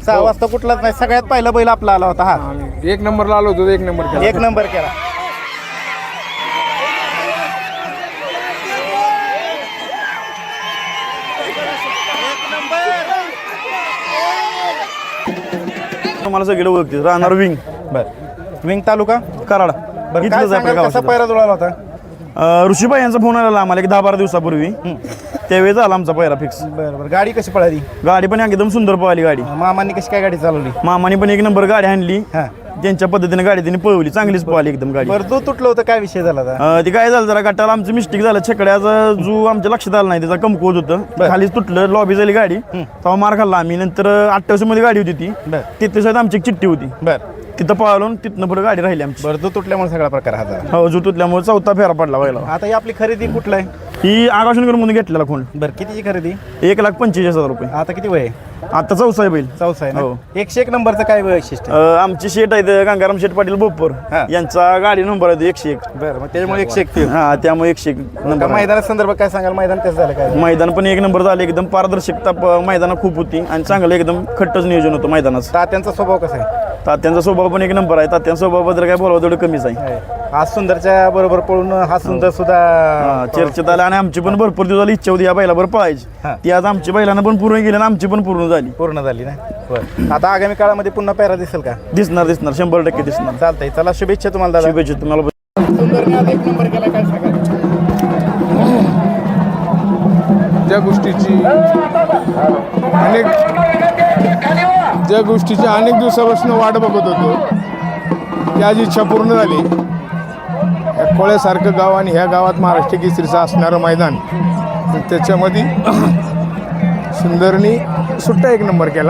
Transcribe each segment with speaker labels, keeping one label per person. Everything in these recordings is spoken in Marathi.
Speaker 1: 6 वाजता कुठलाच नाही, सगळ्यात पहिला बैल आपला आला होता हा.
Speaker 2: आणि 1 नंबरला आलो होतो, 1 नंबर केला.
Speaker 1: 1 नंबर केला.
Speaker 3: मला सगळे ओळखते. राहणार विंग
Speaker 1: विंग तालुका
Speaker 3: कराड.
Speaker 1: बरं, काय सांगाल, कसा पैरा जुळाला होता?
Speaker 3: ऋषीबाई यांचा फोन आलेला आम्हाला एक 10-12 दिवसापूर्वी. त्यावेळी झाला आमचा पहिला फिक्स.
Speaker 1: बरं, गाडी कशी पळाली?
Speaker 3: गाडी पण एकदम सुंदर पळाली गाडी.
Speaker 1: मामांनी कशी काय गाडी चालवली?
Speaker 3: मामाने पण 1 नंबर गाडी आणली.
Speaker 1: हा.
Speaker 3: त्यांच्या पद्धतीने गाडी त्यांनी पळवली, चांगलीच पळाली एकदम गाडी.
Speaker 1: बरं, जो तुटलं होतं, काय विषय झाला होता?
Speaker 3: ती काय झालं, जरा गटाला आमचं मिस्टेक झालं. छकड्याचा जो आमच्या लक्षात आला नाही, त्याचा कमकुवत होतं, खालीच तुटलं. लॉबी झाली गाडी, तेव्हा मार खाल्ला आम्ही. नंतर 28 मध्ये गाडी होती ती, तिथे आमची एक चिठ्ठी होती. तिथं पळालो, तिथनं पुढे गाडी राहिली आमची.
Speaker 1: बरं, जो तुटल्यामुळे सगळा प्रकार हा झाला.
Speaker 3: हो, जो तुटल्यामुळे 4था फेरा पडला व्हायला.
Speaker 1: आता ही आपली खरेदी कुठला आहे?
Speaker 3: ही आकाशनगर म्हणून घेतलेला खोंड.
Speaker 1: बरं, कितीची खरेदी?
Speaker 3: 1,45,000 रुपये.
Speaker 1: आता किती वय आहे?
Speaker 3: आता 4सा आहे बैल.
Speaker 1: 4 आहे ना?
Speaker 3: हो.
Speaker 1: 101 नंबरचं काय वैशिष्ट्य?
Speaker 3: आमची शेट आहेत गंगाराम शेठ पाटील बोपर, यांचा गाडी नंबर आहे 101.
Speaker 1: बरं, मग त्याच्यामुळे 101.
Speaker 3: हा, त्यामुळे 101 नंबर.
Speaker 1: मैदाना संदर्भात काय सांगाल? मैदान कसं झालं काय?
Speaker 3: मैदान पण 1 नंबर झाले. एकदम पारदर्शकता मैदानात खूप होती आणि चांगलं एकदम खट्टच नियोजन होतं मैदानाचं.
Speaker 1: तात्यांचा स्वभाव कसा आहे?
Speaker 3: तात्यांचा स्वभाव पण 1 नंबर आहे. तात्यांच्या स्वभावाबद्दल काय बोलावं तेवढं कमीच आहे.
Speaker 1: आज सुंदरच्या बरोबर पळून हा सुंदर सुद्धा
Speaker 3: चर्चेत आला आणि आमची पण भरपूर दिवस इच्छा होती या बैलाबरोबर पळायची. ती आज आमची बैलांना पण पूर्ण गेली आणि आमची पण पूर्ण झाली
Speaker 1: ना. बरं, आता आगामी काळामध्ये पुन्हा पेरा दिसेल का?
Speaker 3: दिसणार 100% दिसणार.
Speaker 1: चालतंय, चला शुभेच्छा तुम्हाला दादा.
Speaker 3: शुभेच्छा तुम्हाला.
Speaker 1: सुंदरने आज 1 नंबर केला, काय सांगाल?
Speaker 2: ज्या गोष्टीची अनेक दिवसापासून वाट बघत होतो, ती आज इच्छा पूर्ण झाली. या कोळ्यासारखं गाव आणि ह्या गावात महाराष्ट्र केसरीचं असणारं मैदान, त्याच्यामध्ये सुंदरनी सुट्टा 1 नंबर केला.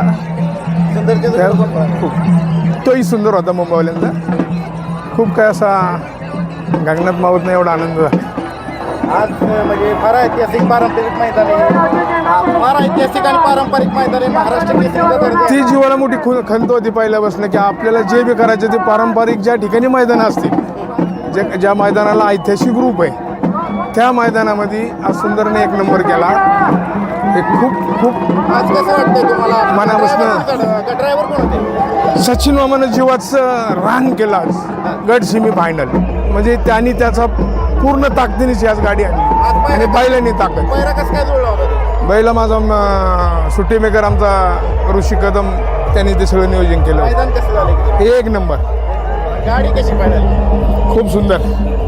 Speaker 2: तोही सुंदर होता मुंबईवाल्यांचा. खूप काय असा गगनात मावत नाही एवढा आनंद झाला.
Speaker 1: आज म्हणजे फार ऐतिहासिक पारंपरिक मैदान आहे, फार ऐतिहासिक आणि पारंपरिक मैदान आहे. महाराष्ट्र केसरीचा दर्जा.
Speaker 2: ती जीवाला मोठी खंत होती पहिल्यापासून की आपल्याला जे बी करायचे ते पारंपरिक ज्या ठिकाणी मैदानं असतील, ज्या मैदानाला ऐतिहासिक रूप आहे, त्या मैदानामध्ये आज सुंदरने 1 नंबर केला. हे खूप
Speaker 1: आज कसं वाटतंय तुम्हाला?
Speaker 2: मनापासून
Speaker 1: ड्रायव्हर कोण होते?
Speaker 2: सचिन मामानं जीवाचं रान केलं आज गट सेमी फायनल. म्हणजे त्यांनी त्याचा पूर्ण ताकदीनेच आज गाडी आणली आणि बैलांनी ताकद.
Speaker 1: पैरा कसं काय जुळला होता?
Speaker 2: बैला माझा सुट्टी मेकर आमचा ऋषी कदम, त्यांनी ते सगळं नियोजन केलं.
Speaker 1: मैदान कसं झालं?
Speaker 2: 1 नंबर.
Speaker 1: गाडी कशी पाहिजे?
Speaker 2: खूप सुंदर.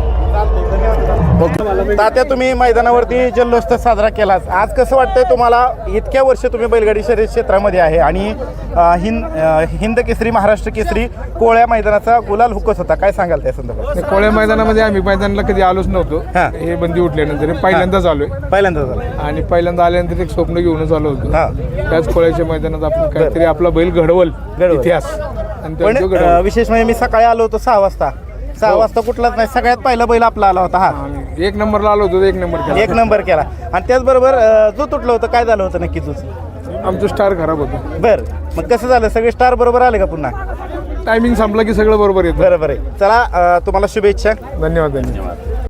Speaker 1: तात्या, तुम्ही मैदानावरती जल्लोष तर साजरा केला. आज कसं वाटतंय तुम्हाला? इतक्या वर्ष तुम्ही बैलगाडी शर्यत क्षेत्रामध्ये आहे आणि हिंद केसरी, महाराष्ट्र केसरी कोळ्या मैदानाचा गुलाल हुकत होता, काय सांगाल त्या संदर्भात?
Speaker 2: कोळ्या मैदानामध्ये आम्ही मैदानाला कधी आलोच नव्हतो. हे बंदी उठल्यानंतर पहिल्यांदाच आलोय.
Speaker 1: पहिल्यांदा झालं
Speaker 2: आणि पहिल्यांदा आल्यानंतर एक स्वप्न घेऊनच आलो होतो. त्याच कोळ्याच्या मैदानात आपण काहीतरी आपला बैल घडवल इतिहास. आणि
Speaker 1: पण विशेष म्हणजे मी सकाळी आलो होतो 6 वाजता. 6 वाजता कुठलाच नाही, सगळ्यात पहिला बैल आपला आला होता हा.
Speaker 2: 1 नंबरला आलो होतो, 1 नंबर केला.
Speaker 1: 1 नंबर केला. आणि त्याचबरोबर जो तुटलं होतं, काय झालं होतं नक्की तुझं?
Speaker 2: आमचं स्टार खराब होतं.
Speaker 1: बरं, मग कसं झालं? सगळे स्टार बरोबर आले का पुन्हा?
Speaker 2: टायमिंग संपला की सगळं बरोबर येतं.
Speaker 1: बरोबर आहे. चला, तुम्हाला शुभेच्छा.
Speaker 2: धन्यवाद.